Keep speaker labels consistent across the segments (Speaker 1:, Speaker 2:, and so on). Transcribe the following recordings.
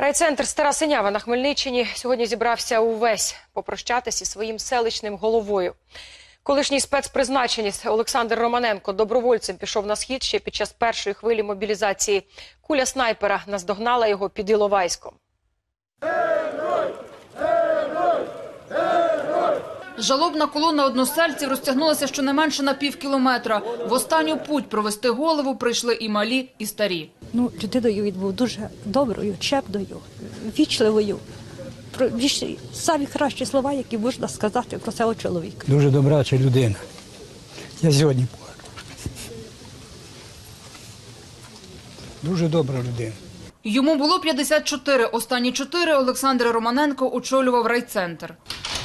Speaker 1: Райцентр Стара Синява на Хмельниччині сьогодні зібрався увесь попрощатися зі своїм селищним головою. Колишній спецпризначенець Олександр Романенко добровольцем пішов на схід ще під час першої хвилі мобілізації. Куля снайпера наздогнала його під Іловайськом.
Speaker 2: Жалобна колона односельців розтягнулася щонайменше на півкілометра. В останню путь провести голову прийшли і малі, і старі.
Speaker 3: Людиною він був дуже доброю, чемною, вічливою. Самі кращі слова, які можна сказати про цього чоловіка.
Speaker 4: Дуже добрача людина. Я сьогодні плачу. Дуже добра людина.
Speaker 2: Йому було 54. Останні 4 Олександр Романенко очолював райцентр.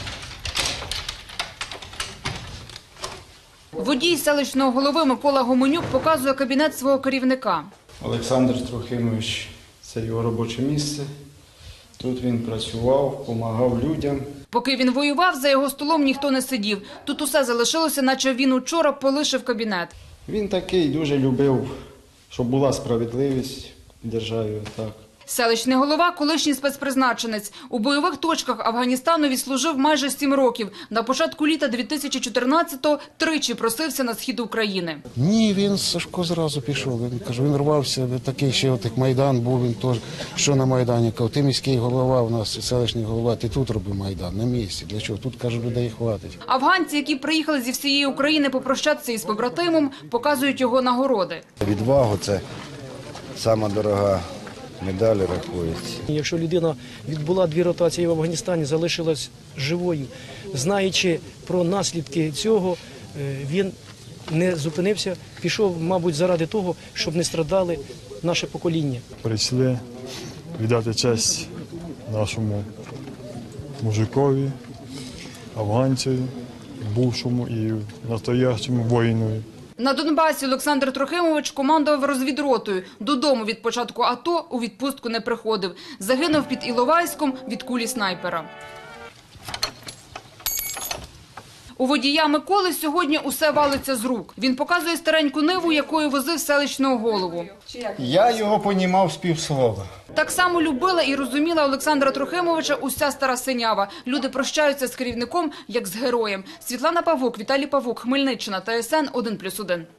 Speaker 2: Водій селищного голови Микола Гоменюк показує кабінет свого керівника.
Speaker 5: Олександр Трохимович – це його робоче місце. Тут він працював, допомагав людям.
Speaker 2: Поки він воював, за його столом ніхто не сидів. Тут усе залишилося, наче він учора полишив кабінет.
Speaker 5: Він такий дуже любив, щоб була справедливість в державі. Так.
Speaker 2: Селищний голова – колишній спецпризначенець. У бойових точках Афганістану відслужив майже 7 років. На початку літа 2014-го тричі просився на схід України.
Speaker 6: Ні, він Сашко зразу пішов. Він рвався, такий ще отак Майдан був, він теж, що на Майдані. Кав, ти міський голова у нас, селищний голова, ти тут роби Майдан, на місці. Для чого? Тут, каже, людей хватить.
Speaker 2: Афганці, які приїхали зі всієї України попрощатися із побратимом, показують його нагороди.
Speaker 7: Відвагу – це сама дорога медаль рахується.
Speaker 8: Якщо людина відбула 2 ротації в Афганістані, залишилась живою, знаючи про наслідки цього, він не зупинився, пішов, мабуть, заради того, щоб не страдали наше покоління.
Speaker 9: Прийшли віддати честь нашому мужикові, афганцеві, бувшому і настоящому воїну.
Speaker 2: На Донбасі Олександр Трохимович командував розвідротою. Додому від початку АТО у відпустку не приходив. Загинув під Іловайськом від кулі снайпера. У водія Миколи сьогодні усе валиться з рук. Він показує стареньку ниву, якою возив селищного голову.
Speaker 5: Я його понімав з півслова.
Speaker 2: Так само любила і розуміла Олександра Трохимовича уся Стара Синява. Люди прощаються з керівником, як з героєм. Світлана Павук, Віталій Павук, Хмельниччина, ТСН 1+1.